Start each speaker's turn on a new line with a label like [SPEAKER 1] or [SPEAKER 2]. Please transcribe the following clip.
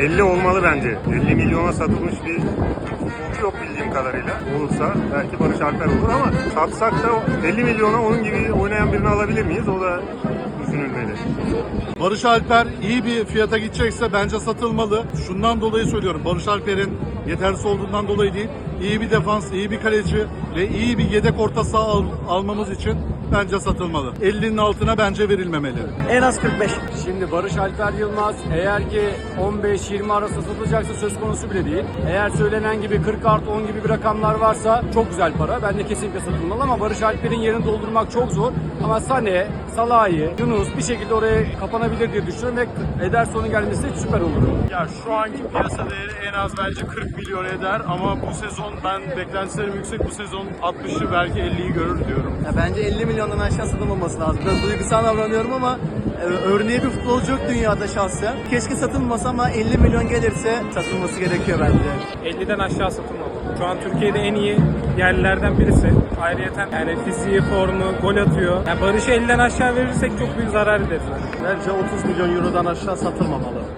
[SPEAKER 1] 50 olmalı bence. 50 milyona satılmış bir futbolcu yok bildiğim kadarıyla. Olursa belki Barış Alper olur ama satsak da 50 milyona onun gibi oynayan birini alabilir miyiz? O da düşünülmeli.
[SPEAKER 2] Barış Alper iyi bir fiyata gidecekse bence satılmalı. Şundan dolayı söylüyorum. Barış Alper'in yetersiz olduğundan dolayı değil. İyi bir defans, iyi bir kaleci ve iyi bir yedek orta saha almamız için bence satılmalı. 50'nin altına bence verilmemeli.
[SPEAKER 3] En az 45.
[SPEAKER 4] Şimdi Barış Alper Yılmaz eğer ki 15-20 arası satılacaksa söz konusu bile değil. Eğer söylenen gibi 40 artı 10 gibi bir rakamlar varsa çok güzel para. Bence kesinlikle satılmalı ama Barış Alper'in yerini doldurmak çok zor. Ama Sané, Salah'ı, Yunus bir şekilde oraya kapanabilir diye düşünüyorum ve Ederson'un gelmesi süper olur.
[SPEAKER 5] Ya şu anki piyasa değeri en az bence 40 milyon eder ama bu sezon ben beklentilerim yüksek. Bu sezon 60'ı belki 50'yi görür diyorum.
[SPEAKER 3] Ya bence 50 milyondan aşağı satılmaması lazım. Biraz duygusal davranıyorum ama örneği bir futbolcu yok dünyada şahsen. Keşke satılmasa ama 50 milyon gelirse satılması gerekiyor bence.
[SPEAKER 6] 50'den aşağı satılmalı. Şu an Türkiye'de en iyi yerlilerden birisi. Ayrıyeten yani fiziği, formu, gol atıyor. Yani Barış'ı 50'den aşağı verirsek çok büyük zarar ederiz.
[SPEAKER 3] Bence 30 milyon eurodan aşağı satılmamalı.